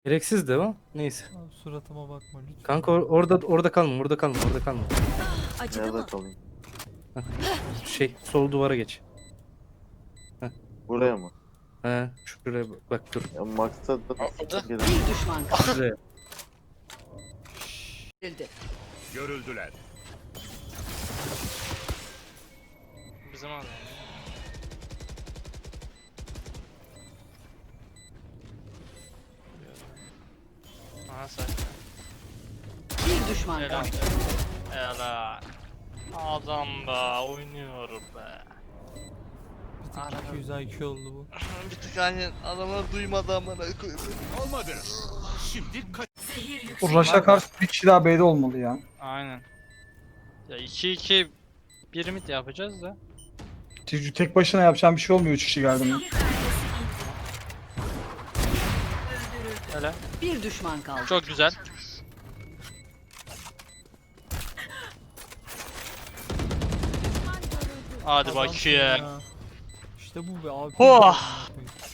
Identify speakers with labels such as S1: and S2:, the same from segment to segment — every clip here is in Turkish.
S1: Gereksiz de o. Neyse.
S2: Abi suratıma bakma lütfen.
S1: Kanka orada kalma, orada kalma, orada kalma.
S3: Acıdı
S4: Nerede
S3: mı?
S4: kalayım?
S1: Sol duvara geç.
S4: Buraya mı?
S1: He, şuraya bak dur.
S4: Ya Max'ta da gelin.
S3: Bir düşman kaldı.
S1: Şuraya.
S5: Görüldüler.
S6: Bizim adam. Aha say.
S3: Bir düşman
S6: Helal.
S3: kaldı.
S6: Helal. Adam be oynuyor be.
S2: Bir tık 200 IQ oldu bu.
S6: Bir tık hani adamlar duymadı amına koyayım.
S5: Olmadı. Şimdi kaç.
S7: Bu Rush'a karşı bir kişi daha B'de olmalı ya.
S6: Aynen. Ya 2-2 bir mid yapacağız da.
S7: Tek başına yapacağım bir şey olmuyor 3 kişi geldi mi?
S6: Öyle.
S3: Bir düşman kaldı.
S6: Çok güzel. Hadi
S2: Adamsın
S6: bakayım.
S2: ya. İşte bu be abi.
S6: Oh!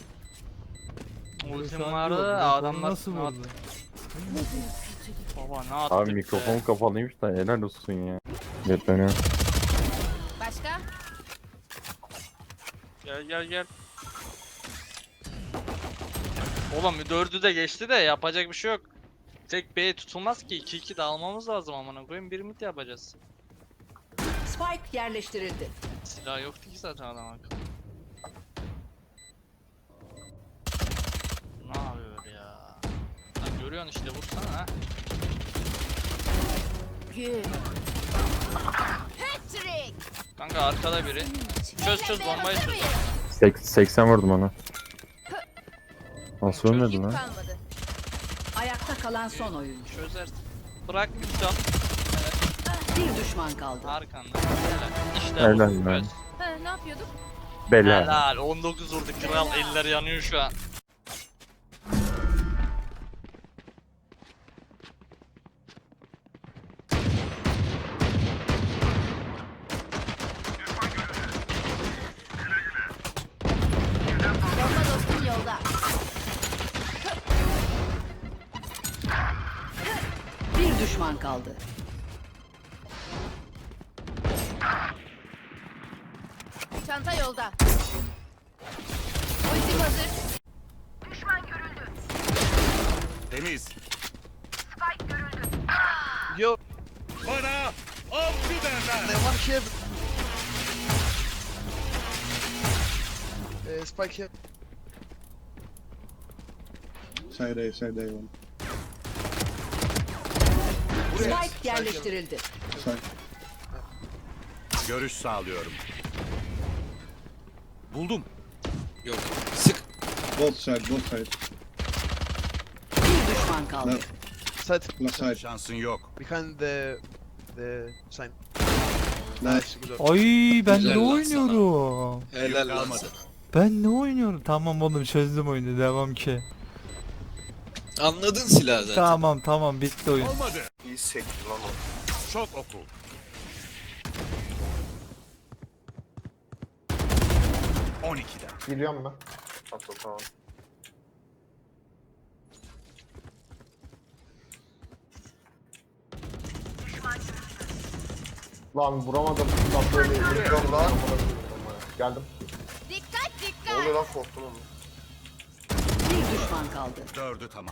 S2: Şu
S6: Ultim
S2: an
S6: vardı
S2: yok.
S6: adamlar
S2: Nasıl
S6: ne
S2: vurdu?
S6: attı? Baba ne attık
S8: Abi
S6: be?
S8: mikrofon kapalıymış da helal olsun ya. Yetleniyor.
S3: Başka?
S6: Gel. Oğlum 4'ü de geçti de yapacak bir şey yok. Tek B tutulmaz ki 2-2 dağılmamız lazım amına koyayım bir mid yapacağız.
S3: Spike yerleştirildi.
S6: Silah yoktu ki zaten adam akıllı. Ne yapıyor ya? Lan görüyorsun işte vursana ha.
S3: Gül. Patrick.
S6: Kanka arkada biri. Çöz bombayı çöz.
S8: 80 vurdum ona. Nasıl ölmedi lan?
S3: Ayakta kalan son oyuncu.
S6: Çözersin. Bırak bir can.
S3: Bir düşman kaldı.
S6: Arkanda. Helal. İşte
S8: Helal
S6: bu.
S8: lan.
S6: Evet.
S3: Ne yapıyorduk?
S8: Bela.
S6: Helal. 19 vurdu kral. Eller yanıyor şu an.
S3: Bomba dostum yolda. Bir düşman kaldı. Çanta yolda. Ultim hazır.
S5: Temiz.
S6: Yo.
S5: Bana avcı derler.
S6: Ne var ki?
S9: Spike here.
S7: Side A.
S3: Spike yerleştirildi.
S5: Görüş sağlıyorum. Buldum.
S7: Both side.
S3: Bir düşman kaldı.
S9: Side.
S7: Last side.
S5: Şansın yok.
S9: Behind the sign. Nice. Good.
S2: Ay ben
S10: Güzel
S2: ne
S10: lan
S2: oynuyorum?
S10: Helal lan
S5: Kalmadı.
S10: sana.
S2: Ben ne oynuyorum? Tamam oğlum çözdüm oyunu devam ki.
S10: Anladın silahı zaten.
S2: Tamam bitti oyun.
S5: Olmadı.
S4: İyi sekti lan o.
S5: Çok oku.
S4: Geliyorum ben. Tamam. Lan vuramadım. Lan böyle yürüyorum lan. Geldim.
S3: Dikkat
S4: Ne
S3: dikkat.
S4: oluyor lan korktum onu.
S3: Bir düşman kaldı.
S5: 4'ü tamam.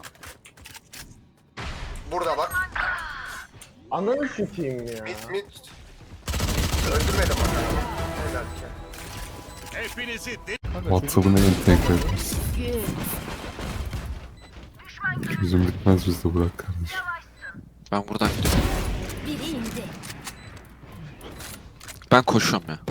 S4: Burada bak. Ananı sikeyim ya. Mit. Öldürmedim onu. Helal ki.
S5: Hepinizi
S8: WhatsApp'ına entegre etmiş.
S3: Gül.
S8: Yüzüm bitmez bizde bırak kardeşim.
S10: Ben buradan gidiyorum.
S3: Biri indi.
S10: Ben koşuyorum ya.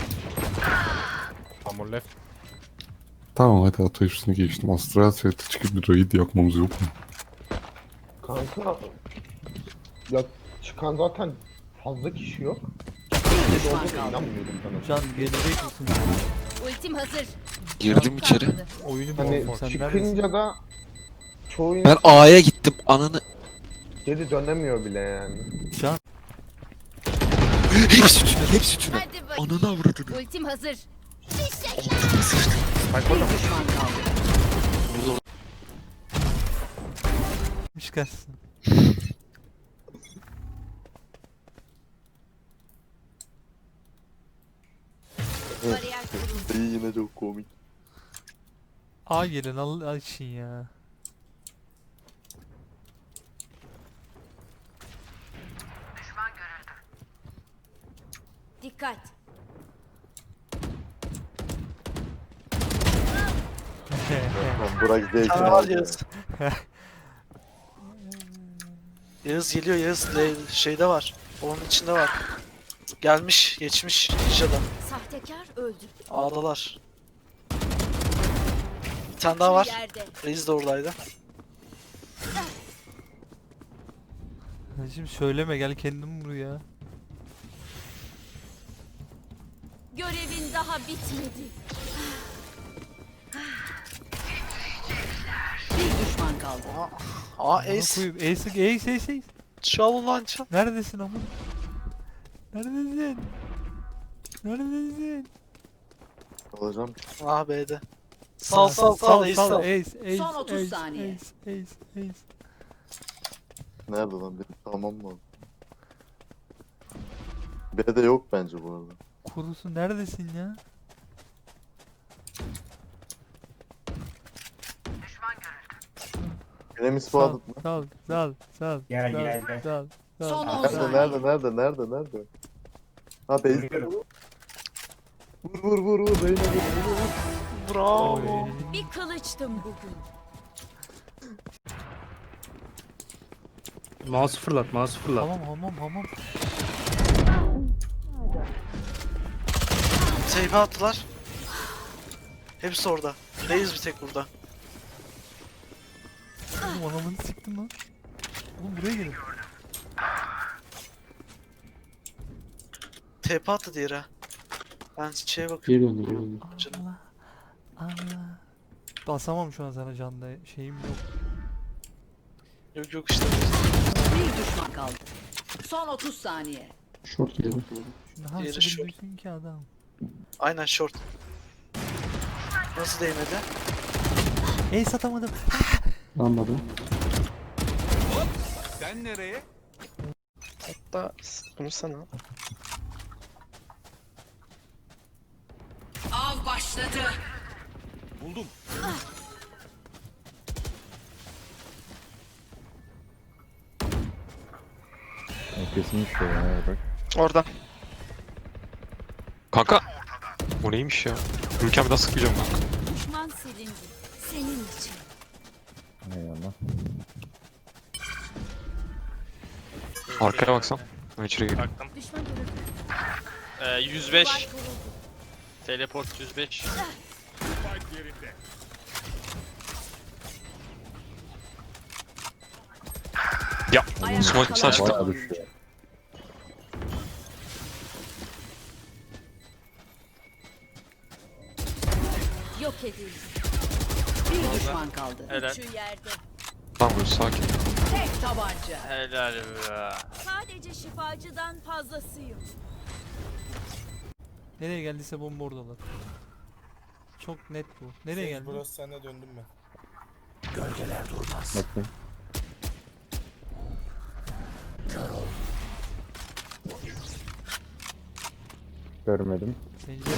S8: Tamam hadi ato üstüne geçtim. Astral Set'e çıkıp bir raid yapmamız yok mu?
S4: Kanka. Ya çıkan zaten fazla kişi yok.
S3: Bir düşman kaldı.
S4: İnanmıyordum sana.
S2: Can gelecek misin?
S3: Ultim hazır.
S10: Girdim içeri.
S2: Oyunu mu
S4: Hani
S2: oynayayım? Sen neredesin?
S4: çıkınca da çoğu
S10: Ben
S4: insan
S10: A'ya gittim. Ananı.
S4: geri dönemiyor bile yani.
S2: Can
S10: Hepsi tünel. Hepsi tünel.
S3: Hadi bakayım.
S10: Ananı avradını.
S3: Ultim hazır.
S10: Altıma sıçtım.
S3: Bir düşman kaldı.
S2: çıkarsın.
S3: Bariyer kuruldu.
S4: Dayı yine çok komik.
S2: A gelin açın ya.
S3: Dikkat.
S4: Lan Burak zevkini
S9: Var
S4: aldı.
S9: Yağız. Yağız geliyor Yağız. Şeyde var. Onun içinde var. Gelmiş, geçmiş Ninja'da.
S3: Sahtekar öldü.
S9: Ağdalar. Bir tane daha var.
S3: Yerde.
S9: Reis de oradaydı.
S2: Hacım söyleme gel kendin vur ya.
S3: Görevin daha bitmedi. Bir düşman kaldı.
S9: Aa
S2: Ace.
S9: Ace.
S2: Ace.
S9: Çal lan çal.
S2: Neredesin ama? Neredesin? Neredesin?
S4: Alacağım.
S9: Ah B'de. Sal Ace sal.
S2: Ace.
S3: Son 30
S2: Ace,
S3: saniye.
S2: Ace.
S4: Nerede lan benim tamam mı? B'de yok bence bu arada.
S2: Kurusu neredesin ya?
S4: Benim ispadat mı?
S2: Sal.
S7: Gel.
S2: Sal.
S3: Son 10
S4: Nerede
S3: saniye.
S4: nerede? Ha base. Vur Reyna vur.
S9: Bravo.
S3: Bir kılıçtım bugün.
S1: Mouse fırlat, mouse fırlat.
S2: Hamam.
S9: Seyfe attılar. Hepsi orada. Reis bir tek burada.
S2: Oğlum anamını siktim lan. Oğlum buraya gelin.
S9: TP attı diğeri ha. Ben şeye bakıyorum.
S10: Geri döndü.
S9: Canım.
S2: Allah. Basamam şu an sana canda şeyim yok.
S9: Yok işte.
S3: Bir düşman kaldı. Son 30 saniye.
S10: Short geliyor.
S2: Şimdi nasıl
S9: Diğeri short.
S2: duysun ki adam.
S9: Aynen short. Nasıl değmedi?
S2: Ace atamadım.
S10: Lanmadı.
S5: Sen nereye?
S9: Hatta bunu sana.
S3: Av başladı.
S5: Buldum.
S4: Kesinlikle ya bak.
S9: Orada.
S10: Kanka. O neymiş ya? Ülkem daha sıkmayacağım kanka.
S3: Düşman silindi. Senin için.
S4: Eyvallah.
S10: Arkaya baksan. Ben içeri gireyim.
S6: Baktım.
S3: Düşman görüldü.
S6: 105.
S3: Duvar kuruldu.
S6: Teleport 105.
S5: Spike yerinde.
S10: Ya.
S3: Ayakta
S10: Smoke
S3: kalan
S10: sağ çıktı.
S3: son oyuncu. Yok edildi. Bir düşman kaldı.
S6: Helal.
S3: Üçü yerde.
S10: Tamam böyle sakin.
S3: Tek tabanca.
S6: Helal be.
S3: Sadece şifacıdan fazlasıyım.
S2: Nereye geldiyse bomba oradalar. Çok net bu. Nereye geldi?
S7: Burası sende döndüm ben.
S4: Bakayım. Görmedim.
S2: Pencere.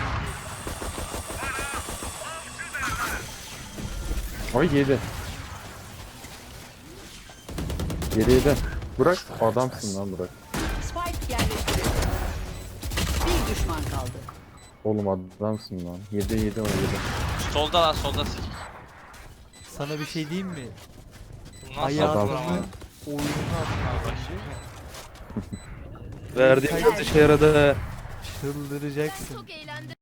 S4: Ay yedi. Yedi. Burak adamsın lan Burak.
S3: Spike yerleştirildi. Bir düşman kaldı.
S4: Oğlum adamsın lan. Yedi o yedi.
S6: Solda lan solda sik.
S2: Sana bir şey diyeyim mi?
S6: Nasıl
S2: Hayatımın
S6: ama?
S2: oyununu atmaya
S1: Verdiğim işe yaradı.
S2: çıldıracaksın.
S3: Çok eğlendim.